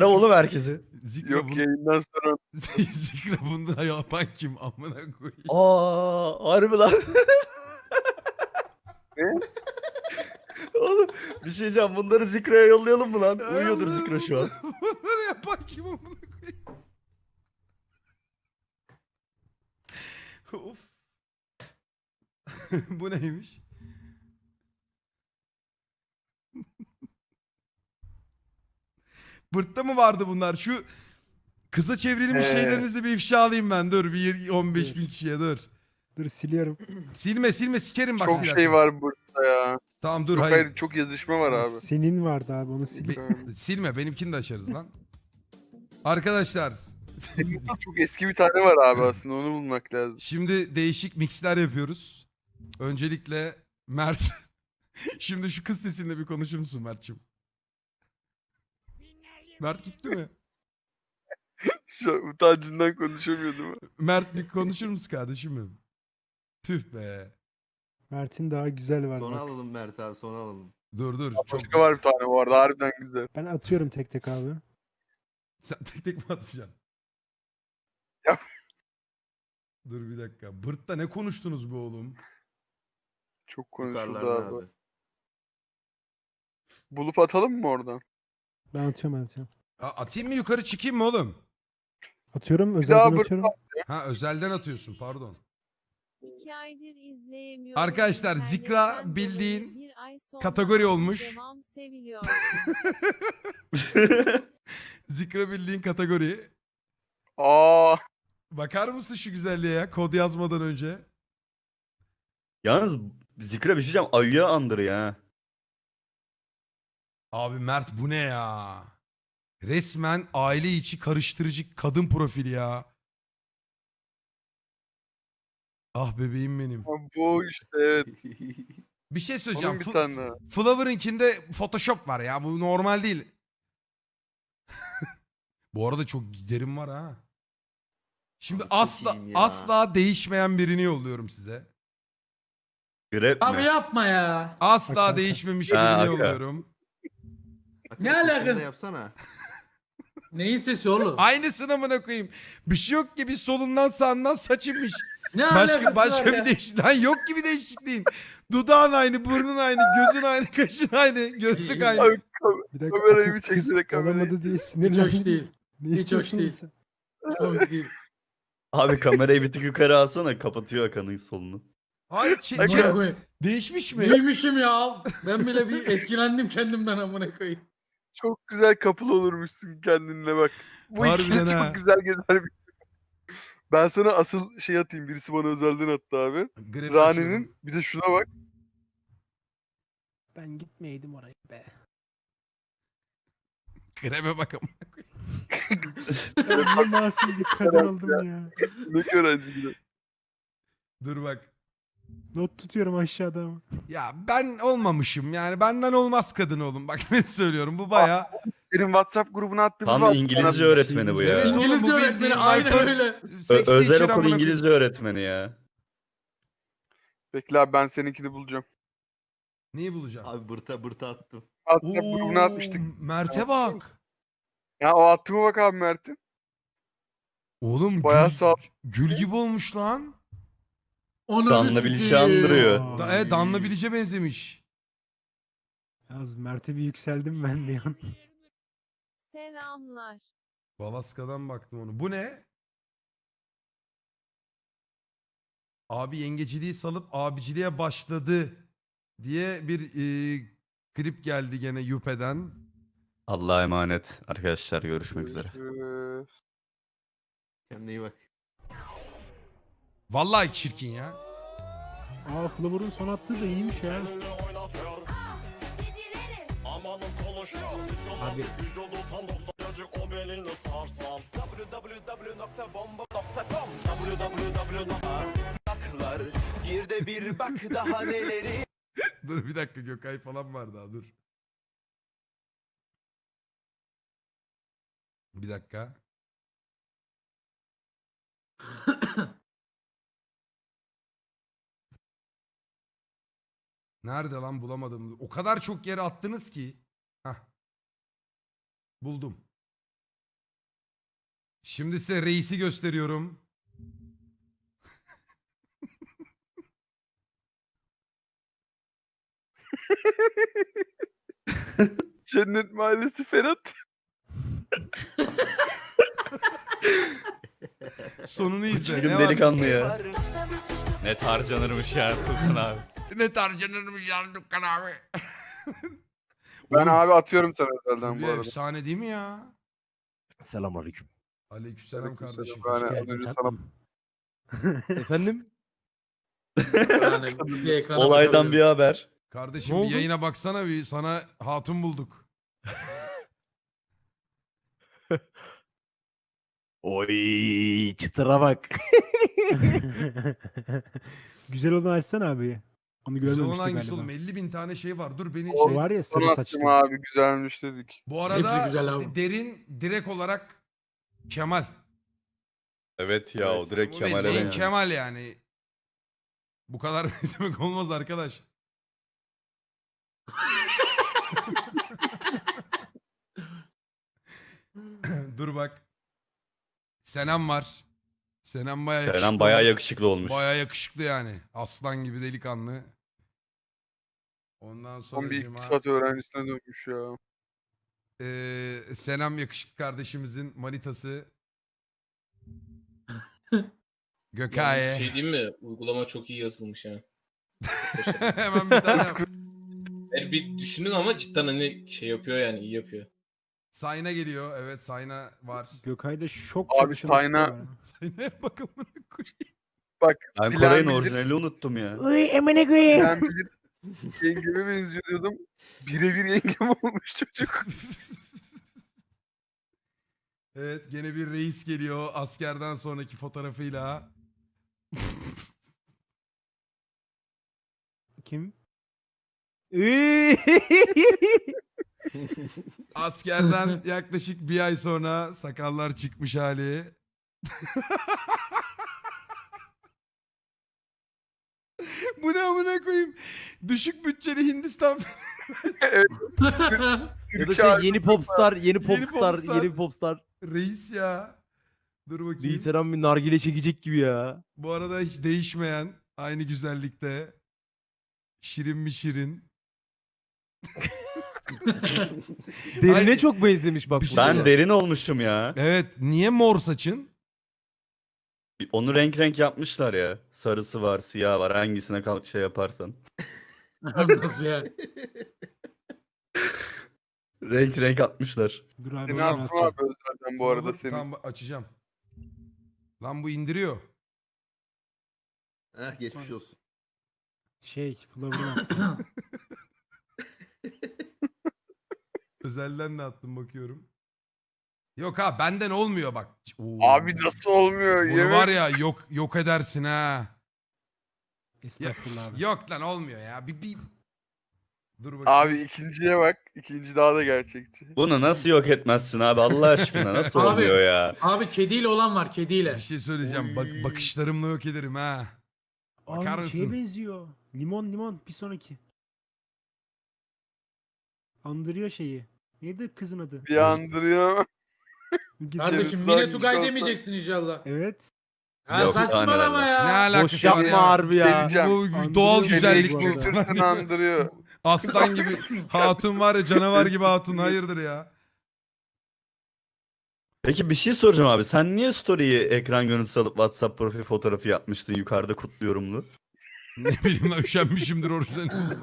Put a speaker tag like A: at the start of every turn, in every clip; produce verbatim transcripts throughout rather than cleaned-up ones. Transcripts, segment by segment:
A: Ara oğlum herkesi.
B: Zikra
C: Yok
B: bunu...
C: yayından sonra
B: Zikra bunu da yapan kim? Amına koyayım.
A: Aa, harbi lan.
C: Ne?
A: Oğlum bir şey diyeceğim. Bunları Zikra'ya yollayalım mı lan?
B: Ay
A: Uyuyordur
B: Allah'ım,
A: Zikra şu an.
B: bunları- Bunları yapan kim amına koyayım? Of. Bu neymiş? Bırtta mı vardı bunlar? Şu kısa çevrilmiş
C: Ee.
B: şeylerinizi bir ifşa alayım ben. Dur bir on beş bin kişiye dur.
D: Dur siliyorum.
B: Silme silme sikerim bak
C: çok
B: silersen.
C: şey var burada ya.
B: Tamam dur
C: Yok
B: hayır.
C: hayır çok yazışma var abi.
D: Senin vardı abi onu sil.
B: Be- silme benimkini de açarız lan. Arkadaşlar.
C: Çok eski bir tane var abi aslında onu bulmak lazım.
B: Şimdi değişik mixler yapıyoruz. Öncelikle Mert. Şimdi şu kız sesinde bir konuşur musun Mert'ciğim? Mert gitti mi?
C: Şu an utancından konuşamıyordum.
B: Mert bir konuşur musun kardeşim benim? Tüh be.
D: Mert'in daha güzel var
E: Sona
D: bak.
E: alalım Mert abi sona alalım.
B: Dur dur. Çok...
C: Başka var bir tane bu arada harbiden güzel.
D: Ben atıyorum tek tek abi.
B: Sen tek tek mi atacaksın?
C: Yap.
B: Dur bir dakika. Bırt'ta ne konuştunuz be oğlum?
C: Çok konuşuldu
E: Yukarılarda
C: abi.
E: abi.
C: Bulup atalım mı oradan?
D: Ben atıyorum ben atıyorum.
B: A- atayım mı yukarı çıkayım mı oğlum?
D: Atıyorum
C: daha
D: özelden
C: bır-
D: atıyorum.
B: Ha özelden atıyorsun pardon.
F: İki aydır izleyemiyorum.
B: Arkadaşlar,
F: İnternetten
B: Zikra
F: dolayı
B: bildiğin
F: bir ay sonra
B: kategori
F: abi
B: olmuş.
F: Devam seviliyor.
B: Zikra bildiğin kategori.
C: Aa,
B: Bakar mısın şu güzelliğe ya kod yazmadan önce?
A: Yalnız Zikra bir şey diyeceğim. Ayıya andırıyor ha.
B: Abi Mert bu ne ya? Resmen aile içi karıştırıcı kadın profili ya. Ah bebeğim benim.
C: bu işte evet.
B: Bir şey söyleyeceğim.
C: Onun bir
B: F-
C: tane daha.
B: Flower'ınkinde Photoshop var ya. Bu normal değil. Bu arada çok giderim var ha. Şimdi
E: Abi çok
B: asla
E: iyiyim ya.
B: asla değişmeyen birini yolluyorum size.
A: Grep
G: Abi
A: mi?
G: yapma ya.
B: Asla
D: Aka, aka.
B: değişmemiş
A: Ha,
B: birini
A: aka.
B: yolluyorum.
E: Akın,
G: Ne
E: sesini
G: alaka?
E: de yapsana.
G: Neyin sesi oğlum?
B: Aynısını amına koyayım. Bir şey yok gibi solundan sağından saçınmış.
G: Ne
B: Başka
G: alakası
B: başka
G: var
B: bir
G: ya?
B: değişikliğin. Lan yok gibi değişikliğin. Dudağın aynı, burnun aynı, gözün aynı, kaşın aynı, gözlük aynı.
C: Abi, kam-
D: Bir dakika
C: Kamerayı
D: Akın
C: bir
D: kız
C: çeksene, kamerayı.
D: olamadı diye
G: Hiç
D: sinirlendim.
G: hoş değil.
D: Ne
G: Hiç hoş
D: istiyorsun
G: değil.
D: sen?
G: Hoş değil.
A: Abi kamerayı bir tık yukarı alsana. Kapatıyor Akan'ın solunu.
B: Hayır, çe-
G: Amına
B: çe-
G: koyayım.
B: değişmiş mi?
G: Neymişim ya? Ben bile bir etkilendim kendimden amına koyayım.
C: Çok güzel kapılı olurmuşsun kendinle bak. Bu
B: Harbiden
C: ikili
B: ha.
C: çok güzel gezer bir. Ben sana asıl şey atayım. Birisi bana özelden attı abi.
B: Grep açıyorum.
C: Rani'nin bir de şuna bak.
D: Ben gitmeydim oraya be.
B: Grebe bak amına koyayım.
D: Ben ne masum bir kadın oldum ya.
C: Ne öğrenci gibi.
B: Dur bak.
D: Not tutuyorum aşağıda ama.
B: Ya ben olmamışım yani benden olmaz kadın oğlum. Bak ne söylüyorum bu baya.
C: Senin WhatsApp grubuna attığımız
A: Tam
C: var.
A: İngilizce öğretmeni bu ya.
B: Evet, oğlum,
G: İngilizce
B: bu
G: öğretmeni
B: bildiğin
G: aynen
B: my first-
G: öyle.
A: Ö-
B: Sex
A: özel
B: teacher
A: okul
B: amına koyayım.
A: İngilizce öğretmeni ya.
C: Bekle abi ben seninkini bulacağım.
B: Neyi bulacağım?
E: Abi bırta bırta attım.
C: WhatsApp grubuna atmıştık.
B: Mert'e bak.
C: Ya o attığıma bak abi Mert'in.
B: Oğlum
C: Bayağı
B: gül,
C: sağ-
B: gül gibi olmuş lan.
G: Onu
A: Danla Biliş'i andırıyor.
D: Aa,
B: Da, e, Danla Bilic'e benzemiş.
D: Yalnız Mert'e bir yükseldim ben bir an.
F: Selamlar.
B: Balaska'dan baktım onu. Bu ne? Abi yengeciliği salıp abiciliğe başladı diye bir e, klip geldi gene Yüpe'den.
A: Allah'a emanet. Arkadaşlar görüşmek üzere.
C: Ee,
E: Kendine iyi bak.
B: Vallahi çirkin ya.
D: Aa Flower'ın son attığı da iyiymiş ya. Abi
H: Gir de bir bak daha neleri.
B: Dur bir dakika Gökay falan var daha dur. Bir dakika. Nerede lan bulamadım. O kadar çok yere attınız ki. Hah. Buldum. Şimdi size reisi gösteriyorum.
C: Cennet Mahallesi Ferhat.
B: Sonunu izle.
A: Çılgın
B: Ne var?
A: delikanlı ya. Net harcanırmış ya Tuğkan abi.
B: Ne tarcanırmış ya Dükkan abi.
C: Ben
B: Oğlum,
C: abi atıyorum sana özelden bu
B: bir
C: arada.
B: efsane değil mi ya?
I: Selamünaleyküm.
B: Aleykümselam
C: Aleykümselam.
B: kardeşim.
C: Yani az
D: Geldin
C: önce sana
D: tatlım.
I: Efendim?
G: Yani bir ekrana
A: Olaydan bir
G: bakabilirim.
A: haber.
B: Kardeşim
I: Ne
B: bir
I: oldu?
B: yayına baksana bir, sana hatun bulduk.
I: Oy çıtıra bak.
D: Güzel olanı açsana abi. Onu
B: Güzel olan
D: görmemiştik
B: hangisi
D: galiba.
B: oğlum? elli bin tane şey var. Dur beni
D: O
B: şey...
D: var ya
C: sana
D: sarı
C: attım
D: saçlı.
C: abi güzelmiş dedik.
B: Bu arada
G: Hepsi güzel abi.
B: de- derin direkt olarak Kemal.
A: Evet ya o direkt
B: Bu
A: Kemal'e
B: bildiğin
A: benziyor.
B: Kemal yani. Bu kadar benzemek olmaz arkadaş. Dur bak. Senem var. Senem bayağı yakışıklı.
A: Kenan bayağı
B: olmuş.
A: yakışıklı olmuş.
B: Bayağı yakışıklı yani. Aslan gibi delikanlı. Ondan sonra
C: Son bir iktisat öğrencisine dönmüş ya.
B: Ee, Senem yakışıklı kardeşimizin manitası.
J: Yalnız bir
B: Gökaye.
J: şey diyeyim mi? Uygulama çok iyi yazılmış ha.
B: Hemen bir tane yap.
J: Yani bir düşünün ama cidden hani şey yapıyor yani iyi yapıyor.
B: Sayna geliyor. Evet Sayna var.
D: Gökay'da şok
C: Abi
D: çalışan
C: Sayna-
D: var.
B: Sayna'ya bak amına koyayım.
C: Bak
A: Ben
C: Bilen
A: Koray'ın
C: bilir.
A: orijinalini unuttum ya.
I: Uy emine koyayım.
C: ben bilir yengeme benziyor diyordum. Birebir yengem olmuş çocuk.
B: Evet gene bir reis geliyor askerden sonraki fotoğrafıyla.
D: Kim?
I: Uy.
B: Askerden yaklaşık bir ay sonra sakallar çıkmış hali. Bu ne amına koyayım? Düşük bütçeli Hindistan
I: Ya da şey yeni popstar, yeni
B: Yeni
I: popstar,
B: popstar.
I: yeni popstar.
B: reis ya. Dur bakayım.
I: Reis Eren bir nargile çekecek gibi ya.
B: Bu arada hiç değişmeyen aynı güzellikte. Şirin mi şirin?
I: Derine
B: Ay,
I: çok benzemiş bak.
B: bir
I: bu
B: şey
A: Ben
I: arada.
B: söyleyeyim.
A: derin olmuşum ya.
B: Evet niye mor saçın?
A: Onu renk renk yapmışlar ya. Sarısı var, siyah var. Hangisine kalk şey yaparsan.
G: Nasıl ya?
A: Renk renk atmışlar.
D: Dur abi
C: Seni
D: onu
C: attım
D: atacağım.
C: abi özelden bu arada
B: Dur,
C: seni.
B: Tamam açacağım. Lan bu indiriyor.
E: Heh geçmiş olsun.
D: Şey Flower'dan.
B: Özelden de attım bakıyorum. Yok ha benden olmuyor bak. Oo.
C: Abi nasıl olmuyor?
B: Bunu
C: Yemin-
B: var ya yok yok edersin ha.
D: Estağfurullah abi.
B: Yok lan olmuyor ya. Bir, bir... Dur bakayım.
C: Abi ikinciye bak. İkinci daha da gerçekçi.
A: Bunu nasıl yok etmezsin abi Allah aşkına nasıl
G: Abi.
A: olmuyor ya?
G: Abi kediyle olan var kediyle.
B: Bir şey söyleyeceğim. Bak,
C: Oy.
B: bakışlarımla yok ederim ha. Bakar
D: Abi şeye
B: mısın?
D: benziyor. Limon limon bir sonraki. Andırıyor şeyi. Neydi kızın adı?
C: Bir andırıyor.
D: Gidin-
G: Kardeşim
C: Kendisi
G: Mine
C: daha
G: Tugay
C: küçük
G: demeyeceksin inşallah.
D: Evet.
G: Ha
A: Yok,
G: saçmalama
A: yani
B: Ne
G: ya.
B: alakası
I: Boş
B: var
I: yapma
B: ya?
I: harbi ya.
C: Geleceğim.
B: Bu
D: Andırıyor
B: doğal
D: bu
B: güzellik
D: arada.
B: bu.
C: Götürsün andırıyor.
B: Aslan gibi hatun var ya canavar gibi hatun hayırdır ya.
A: Peki bir şey soracağım abi. Sen niye story'yi ekran görüntüsü alıp WhatsApp profil fotoğrafı yapmıştın yukarıda kutluyorumlu?
B: Ne bileyim lan üşenmişimdir orijinal.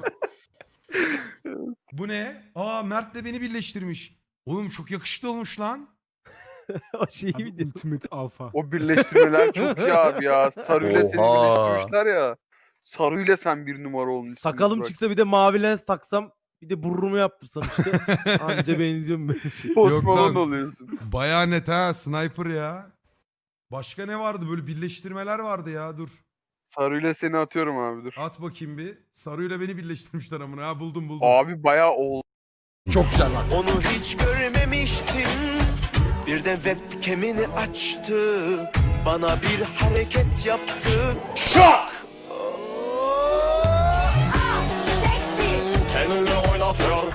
B: Bu ne? Aa Mert de beni birleştirmiş. Oğlum çok yakışıklı olmuş lan.
I: O şeyi
D: Abi,
I: bir de.
D: Ultimate Alpha.
C: O birleştirmeler çok iyi abi ya. Sarı'yla seni
A: Oha.
C: birleştirmişler ya. Sarı'yla sen bir numara olmuşsun.
I: Sakalım
C: bak.
I: çıksa bir de mavi lens taksam bir de burnumu yaptırsam işte anca benziyorum böyle bir şey.
C: Post
B: Yok
C: Malone
B: lan.
C: oluyorsun.
B: Baya net ha sniper ya. Başka ne vardı böyle birleştirmeler vardı ya dur.
C: Sarı'yla seni atıyorum abi dur.
B: At bakayım bir. Sarıyla beni birleştirmişler amına ha buldum buldum.
C: Abi bayağı oldu.
B: Çok güzel bak.
H: Onu hiç görmemiştim. Birden webcam'ini açtı. Bana bir hareket yaptı. Şok! Kendini oynatıyor.